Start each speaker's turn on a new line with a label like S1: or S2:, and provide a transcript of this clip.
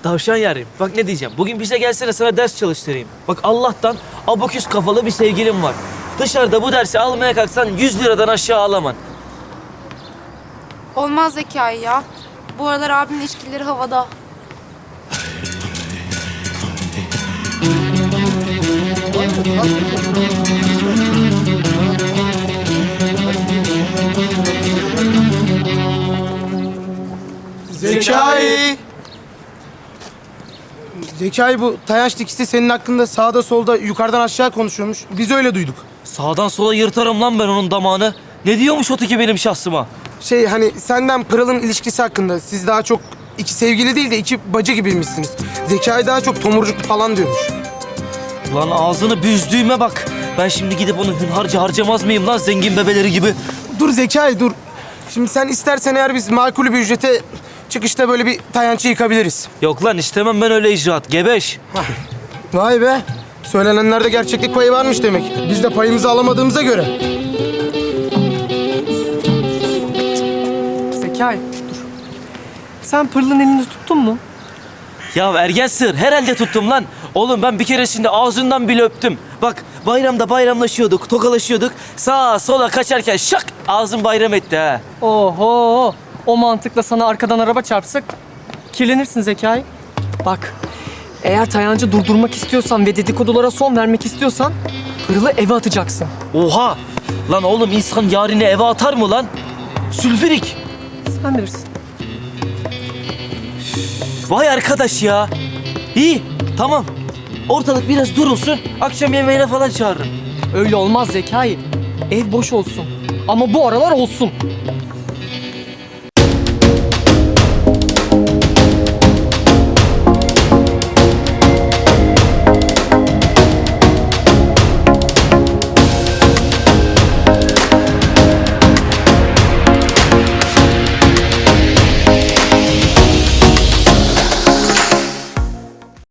S1: Tavşan yarim. Bak ne diyeceğim. Bugün bize gelsene sana ders çalıştırayım. Bak Allah'tan abaküs kafalı bir sevgilim var. Dışarıda bu dersi almaya kalksan 100 liradan aşağı alamam.
S2: Olmaz Zekai ya. Bu aralar abimin ilişkileri havada.
S3: Zekai! Zekai, bu Tayanç dikisi senin hakkında sağda solda yukarıdan aşağı konuşuyormuş. Biz öyle duyduk.
S1: Sağdan sola yırtarım lan ben onun damağını. Ne diyormuş o tiki benim şahsıma?
S3: Hani senden Pırıl'ın ilişkisi hakkında, siz daha çok iki sevgili değil de iki bacı gibiymişsiniz. Zekai daha çok tomurcuk falan diyormuş.
S1: Lan ağzını büzdüğüme bak. Ben şimdi gidip onu hünharca harcamaz mıyım lan zengin bebeleri gibi?
S3: Dur Zekai, dur. Şimdi sen istersen eğer biz makul bir ücrete çıkışta böyle bir Tayanç'ı yıkabiliriz.
S1: Yok lan istemem ben öyle icraat. Gebeş.
S3: Vay be. Söylenenlerde gerçeklik payı varmış demek. Biz de payımızı alamadığımıza göre.
S4: Zekai, dur. Sen Pırıl'ın elini tuttun mu?
S1: Ya ergen sığır herhalde tuttum lan. Oğlum ben bir keresinde ağzından bile öptüm. Bak bayramda bayramlaşıyorduk, tokalaşıyorduk. Sağa sola kaçarken şak ağzım bayram etti ha.
S4: Oho! O mantıkla sana arkadan araba çarpsak kirlenirsin Zekai. Bak, eğer Tayancı durdurmak istiyorsan ve dedikodulara son vermek istiyorsan Pırıl'ı eve atacaksın.
S1: Oha! Lan oğlum insan yarine eve atar mı lan? Sülfürik!
S4: Sen bilirsin.
S1: Vay arkadaş ya. İyi tamam. Ortalık biraz durulsun. Akşam yemeğine falan çağırırım.
S4: Öyle olmaz Zekai. Ev boş olsun. Ama bu aralar olsun.